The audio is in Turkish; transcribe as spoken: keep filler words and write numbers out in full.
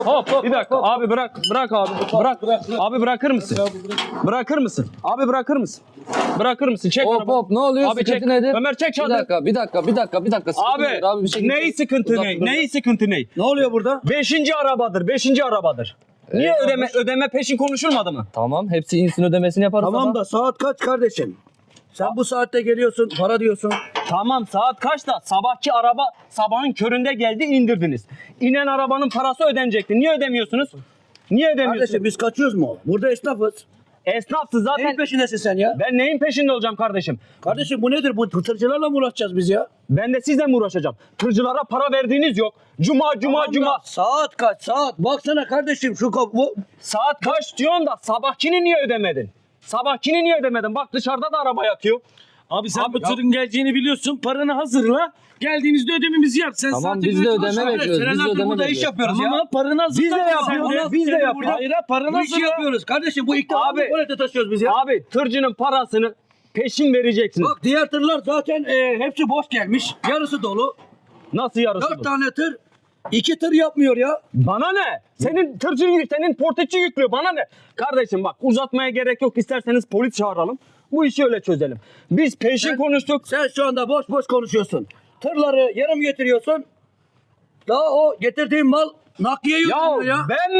Hop hop bir dakika abi bırak bırak abi bırak abi bırakır mısın? Bırakır mısın? Abi bırakır mısın? Bırakır mısın? Çek Hop arabayı. hop ne oluyor? Abi Sıkıntı çek. nedir? Ömer çek Bir çadırı. dakika bir dakika bir dakika bir dakika. Sıkıntı Abi, nedir? Abi bir şey neyi sıkıntı Uzak ne? dur. Neyi sıkıntı ne? Ne oluyor burada? Beşinci arabadır. Beşinci arabadır. Niye Eyvallah. ödeme ödeme peşin konuşulmadı mı? Tamam hepsi insin ödemesini yaparız. Tamam ama. da saat kaç kardeşim? Sen bu saatte geliyorsun, para diyorsun. Tamam saat kaçta? Sabahki araba sabahın köründe geldi indirdiniz. İnen arabanın parası ödenecekti. Niye ödemiyorsunuz? Niye ödemiyorsunuz? Kardeşim biz kaçıyoruz mu? Burada esnafız. Esnafsız zaten. Neyin peşindesin sen ya? Ben neyin peşinde olacağım kardeşim? Kardeşim bu nedir? Bu tırtırcılarla mı uğraşacağız biz ya? Ben de sizle mi uğraşacağım? Tırcılara para verdiğiniz yok. Cuma cuma Tamam da cuma. Saat kaç? Saat. Baksana kardeşim şu kap bu. Saat kaç diyorsun da sabahkini niye ödemedin? Sabahkini niye ödemedin? Bak dışarıda da araba yatıyor. Abi sen Abi bu ya- tırın geleceğini biliyorsun. Paranı hazırla. Geldiğimizde ödememizi yap. Sen Tamam, zaten biz de üretim ödeme aşağı- bekliyoruz. Biz de Senelerdir ödeme burada iş bekliyoruz. yapıyoruz Tamam ya. ama paranı hazırla. Biz de Sen yapıyoruz, biz de Sen yapıyoruz. Hayır ha, paranı Bu işi hazırla. yapıyoruz. Kardeşim bu ilk Abi- defa tuvalete taşıyoruz biz ya. Abi tırcının parasını peşin vereceksiniz. Bak diğer tırlar zaten e, hepsi boş gelmiş. Yarısı dolu. Nasıl yarısı Dört bu? tane tır. iki tır yapmıyor ya. Bana ne? Senin tırcı, senin portekçi yüklüyor. Bana ne? Kardeşim bak uzatmaya gerek yok. İsterseniz polis çağıralım. Bu işi öyle çözelim. Biz peşin Sen- konuştuk. Sen şu anda boş boş konuşuyorsun. Tırları yarım getiriyorsun. Daha o getirdiğin mal nakliye Ya yutmuyor ya. ben